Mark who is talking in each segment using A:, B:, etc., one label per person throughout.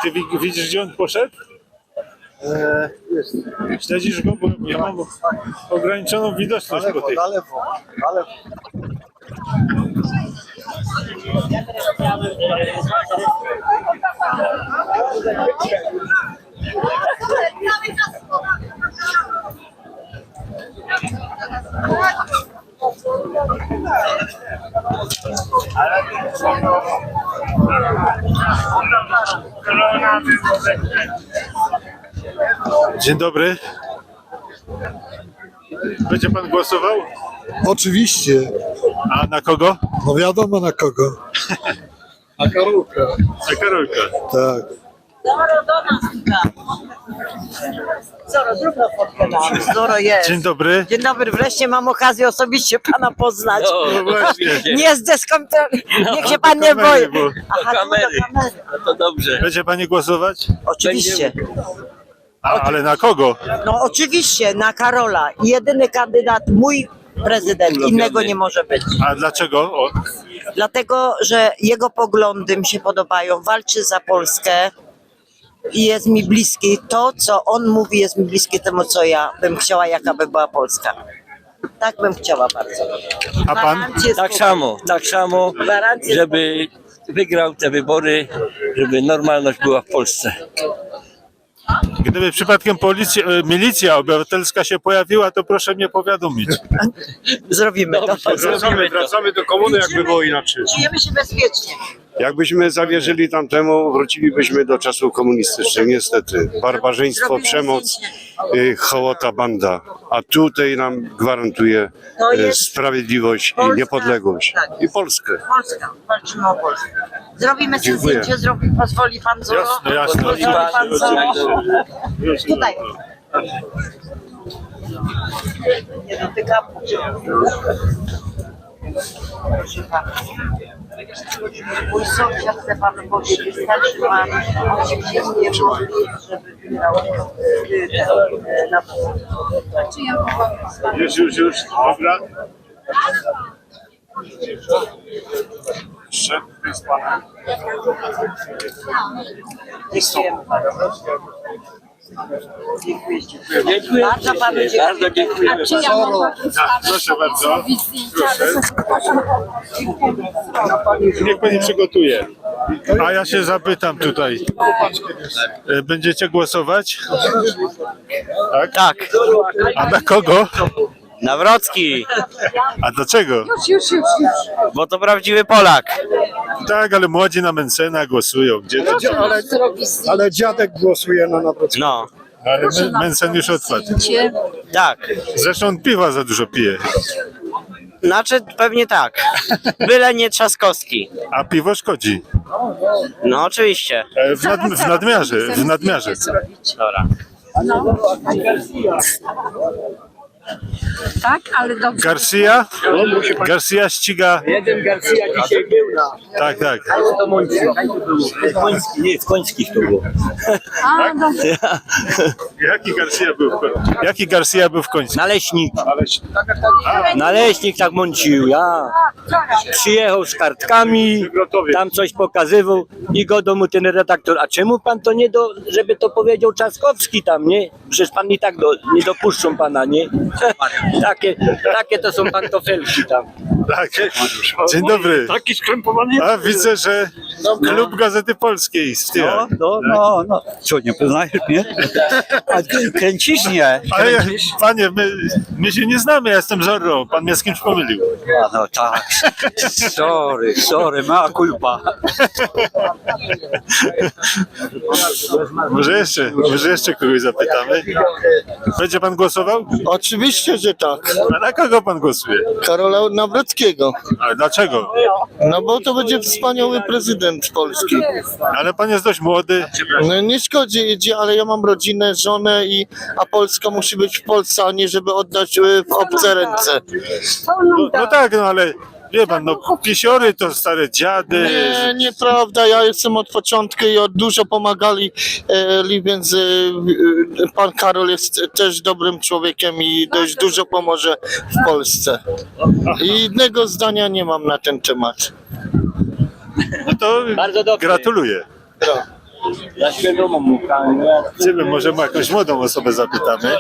A: Ty widzisz, gdzie on poszedł?
B: Jest.
A: Śledzisz go, bo ja mam ograniczoną widoczność po tej.
B: Na lewo.
A: Dzień dobry. Będzie pan głosował?
B: Oczywiście.
A: A na kogo?
B: No wiadomo na kogo. Na Karolka.
A: Na Karolka.
B: Tak.
C: Zoro do nas tutaj. Zoro, zrób na fotkę nam. Zoro jest.
A: Dzień dobry.
C: Dzień dobry, wreszcie mam okazję osobiście pana poznać.
A: No właśnie.
C: Nie zdeskontroluj. Niech się pan nie
A: kamery,
C: boi.
A: bo-
C: Aha, tu do kamery.
D: No to dobrze.
A: Będzie pani głosować?
C: Oczywiście.
A: Ale na kogo?
C: No oczywiście, na Karola. Jedyny kandydat, mój prezydent. Innego nie może być.
A: A dlaczego? O,
C: Dlatego, że jego poglądy mi się podobają. Walczy za Polskę i jest mi bliski. To, co on mówi, jest mi bliskie temu, co ja bym chciała, jaka by była Polska. Tak bym chciała bardzo.
A: A pan?
C: Gwarancję
D: Tak samo,
C: Gwarancję
D: żeby wygrał te wybory, żeby normalność była w Polsce.
A: Gdyby przypadkiem milicja obywatelska się pojawiła, to proszę mnie powiadomić.
C: Zrobimy to.
E: Wracamy do komuny, jakby było inaczej.
C: Czujemy się bezpiecznie.
E: Jakbyśmy zawierzyli tamtemu, wrócilibyśmy do czasów komunistycznych, niestety. Barbarzyństwo,
C: Zrobimy
E: przemoc,
C: zdjęcie.
E: hołota, banda. A tutaj nam gwarantuje
C: To jest
E: sprawiedliwość
C: Polska,
E: i niepodległość.
C: tak.
E: I Polskę.
C: Polska. Walczymy o Polskę. Zrobimy sobie
E: Dziękuję.
C: zdjęcie, pozwoli pan Zoro?
A: Jasne, jasne.
C: Pozwoli pan Zoro? Tutaj. Nie dotykam. Proszę pana. Mój sąsiad chce panu powiedzieć, starszy pan, on się nie modli, żeby wygrał na Czy ja mogłam
A: Już. Dobra. Jeszcze z panem.
C: Dziękujemy bardzo. Dziękuję. Bardzo panu dziękuję.
D: Bardzo dziękujemy.
F: Czy ja mogę
A: Proszę bardzo.
F: zrobić zdjęcie, ale za przepraszam.
A: Niech pani przygotuje. A ja się zapytam tutaj. Będziecie głosować?
D: Tak,
A: A na kogo?
D: Nawrocki,
A: A dlaczego?
F: Już.
D: bo to prawdziwy Polak.
A: Tak, ale młodzi na Mencena głosują. Gdzie to?
F: Zrobić zdjęcie.
B: Ale dziadek głosuje na Nawrockiego.
D: No,
A: Ale Mencen już odpadł.
D: tak.
A: Zresztą on piwa za dużo pije.
D: Znaczy pewnie tak. Byle nie Trzaskowski.
A: A piwo szkodzi.
D: No oczywiście.
A: W nadmiarze.
D: Dobra.
F: Tak, ale dobrze.
A: Garcia ściga.
D: Jeden Garcia dzisiaj był na...
A: Tak.
D: To nie, w Końskich to było.
F: A, dobrze.
A: Jaki Garcia był w końcu?
D: Naleśnik. Naleśnik tak mącił, ja. Przyjechał z kartkami, tam coś pokazywał i go do mu ten redaktor, a czemu pan to nie żeby to powiedział Trzaskowski tam, nie? Przecież pan i tak nie dopuszczą pana, nie? Takie to są pantofelki tam.
A: Tak. Dzień dobry.
D: Taki skrępowany.
A: A widzę, że klub Gazety Polskiej z tyłu.
G: No. Co, nie poznajesz mnie? A kręcisz nie?
A: Ale panie, my się nie znamy, ja jestem Zorro. Pan mnie z kimś pomylił.
G: A, no tak. Sorry, mała culpa.
A: Może jeszcze kogoś zapytamy. Będzie pan głosował?
B: Oczywiście, że tak.
A: A na kogo pan głosuje?
B: Karola Nawrockiego.
A: A dlaczego?
B: No bo to będzie wspaniały prezydent Polski.
A: Ale pan jest dość młody.
B: No nie szkodzi, ale ja mam rodzinę, żonę a Polska musi być w Polsce, a nie żeby oddać w obce ręce.
A: No tak, ale wie pan, pisiory to stare dziady.
B: Nie, nieprawda, ja jestem od początku i dużo pomagali, więc pan Karol jest też dobrym człowiekiem i dość dużo pomoże w Polsce. I innego zdania nie mam na ten temat.
A: No to
D: Bardzo dobrze.
A: gratuluję.
D: Ja świadomo mu,
A: Idziemy, może mu jakąś młodą osobę zapytamy.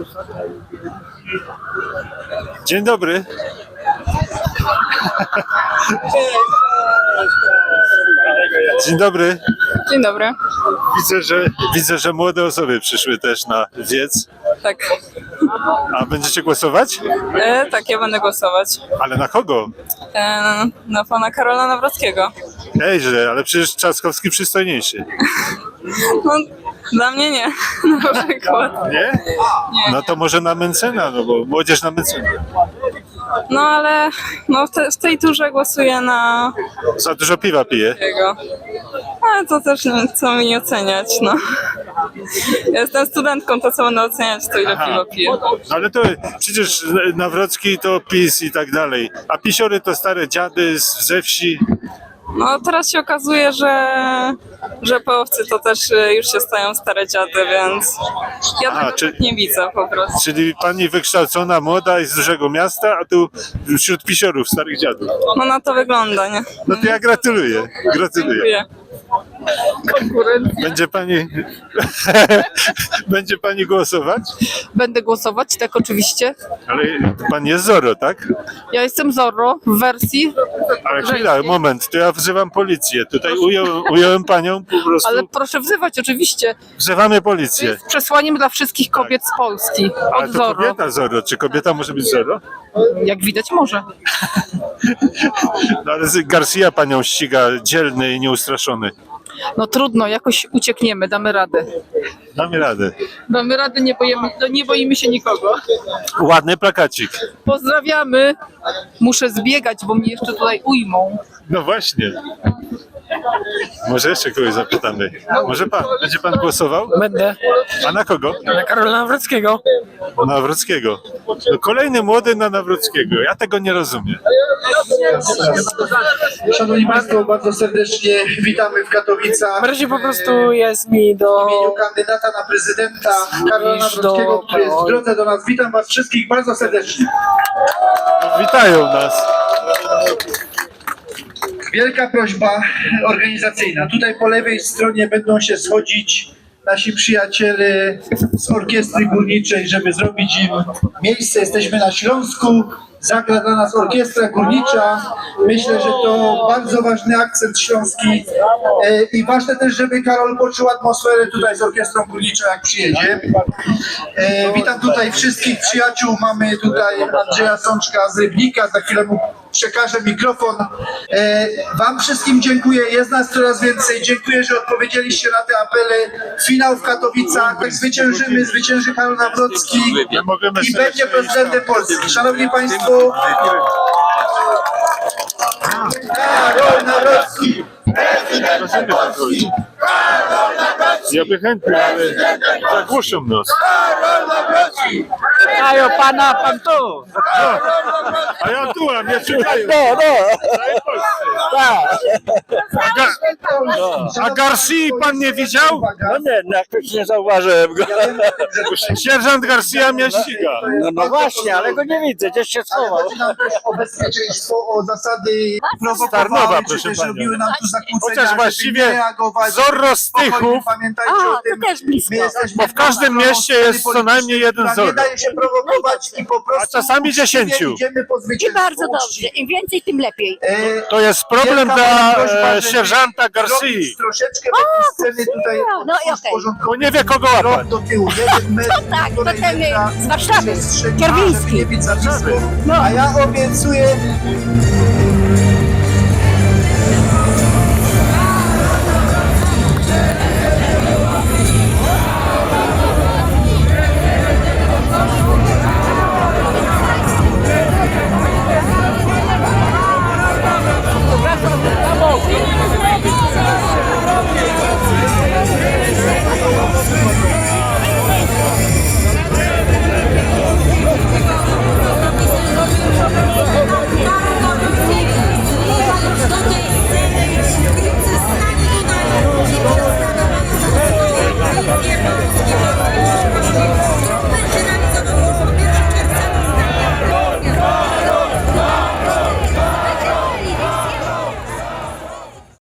A: Dzień dobry. Dzień dobry.
H: Dzień dobry.
A: Widzę, że młode osoby przyszły też na wiec.
H: Tak.
A: A będziecie głosować?
H: Tak, ja będę głosować.
A: Ale na kogo?
H: Na pana Karola Nawrockiego.
A: Ejże, ale przecież Trzaskowski przystojniejszy.
H: No, dla mnie nie, na przykład.
A: Nie? No to może na Mencena, no bo młodzież na Mencena.
H: No ale no, w tej turze głosuję na
A: Za dużo piwa pije.
H: jego. Ale to też co mi nie oceniać, no. Ja jestem studentką, to co będę oceniać, to ile piwa piję.
A: No ale to przecież Nawrocki to PiS i tak dalej. A pisiory to stare dziady ze wsi.
H: No teraz się okazuje, że połowcy to też już się stają stare dziady, więc ja tego tak nie widzę po prostu.
A: Czyli pani wykształcona, młoda i z dużego miasta, a tu wśród pisiorów, starych dziadów.
H: No na to wygląda, nie?
A: No to ja gratuluję. Gratuluję.
H: Dziękuję.
A: Będzie pani będzie pani głosować?
I: Będę głosować, tak oczywiście.
A: Ale pani jest Zorro, tak?
I: Ja jestem Zorro w wersji,
A: Ale chwila, moment, to ja wzywam policję. Tutaj ująłem panią po prostu.
I: ale proszę wzywać oczywiście.
A: Wzywamy policję.
I: Z przesłaniem dla wszystkich kobiet z Polski.
A: Ale
I: Od
A: to
I: Zorro.
A: kobieta Zorro. Czy kobieta może być Zorro?
I: Jak widać może.
A: No ale Garcia panią ściga, dzielny i nieustraszony.
I: No trudno, jakoś uciekniemy, damy radę.
A: Damy radę.
I: Damy radę, nie boimy się nikogo.
A: Ładny plakacik.
I: Pozdrawiamy. Muszę zbiegać, bo mnie jeszcze tutaj ujmą.
A: No właśnie. Może jeszcze kogoś zapytamy. Może pan? Będzie pan głosował?
J: Będę.
A: A na kogo?
J: Na Karola Nawrockiego.
A: Na Nawrockiego. No, kolejny młody na Nawrockiego. Ja tego nie rozumiem.
K: Szanowni Państwo, bardzo serdecznie witamy w Katowicach.
J: W razie po prostu jest mi
K: W
J: do...
K: imieniu kandydata na prezydenta Karola
J: Iż
K: Nawrockiego,
J: do-
K: który jest w drodze do nas. Witam Was wszystkich bardzo serdecznie.
A: Witają nas.
K: Wielka prośba organizacyjna. Tutaj po lewej stronie będą się schodzić nasi przyjaciele z orkiestry górniczej, żeby zrobić im miejsce. Jesteśmy na Śląsku. Zagra dla nas orkiestra górnicza. Myślę, że to bardzo ważny akcent śląski i ważne też, żeby Karol poczuł atmosferę tutaj z orkiestrą górniczą, jak przyjedzie. Witam tutaj wszystkich przyjaciół. Mamy tutaj Andrzeja Sączka z Rybnika. Za chwilę mu przekażę mikrofon. Wam wszystkim dziękuję. Jest nas coraz więcej. Dziękuję, że odpowiedzieliście na te apele. Finał w Katowicach. Tak zwyciężymy. Zwycięży Karol Nawrocki i będzie prezydentem Polski. Szanowni Państwo, Karol Nawrocki!
A: Ja by chętnie, ale zagłuszą nas.
J: Dają pana, pan tu.
A: A ja tu, a mnie czytają. A Garcia pan nie widział?
G: No nie, jakoś nie zauważyłem go.
A: Sierżant Garcia mnie ściga.
G: No właśnie, ale go nie widzę, gdzieś się schował.
K: Chodzi nam też o bezpieczeństwo, o zasady
A: Tarnowa,
K: prowokowały, czy
A: proszę
K: też
A: panią.
K: robiły nam tu zakłócenia,
A: Chociaż
K: żeby
A: właściwie
K: nie reagować.
A: Zorro Stychów,
K: Spokojnie, pamiętajcie o tym.
F: też blisko.
K: My jesteśmy
A: bo w każdym mieście jest co najmniej jeden
K: która
A: Zorro.
K: nie daje się prowokować i po prostu
A: A czasami 10.
K: idziemy po
F: I
K: zwycięstwo.
F: bardzo dobrze. Im więcej, tym lepiej.
A: To jest problem
K: Wielka
A: dla
K: prośba, żeby
A: sierżanta Garcia,
K: zrobić troszeczkę takiej sceny tutaj
F: No i okej.
A: bo nie wie kogo łapać.
K: do tyłu. Jeden metr,
F: tak, to
K: półtorej
F: ten
K: metra,
F: z Warszawy,
K: przestrzeni,
F: Kierwiński.
K: żeby nie być za blisko. A ja obiecuję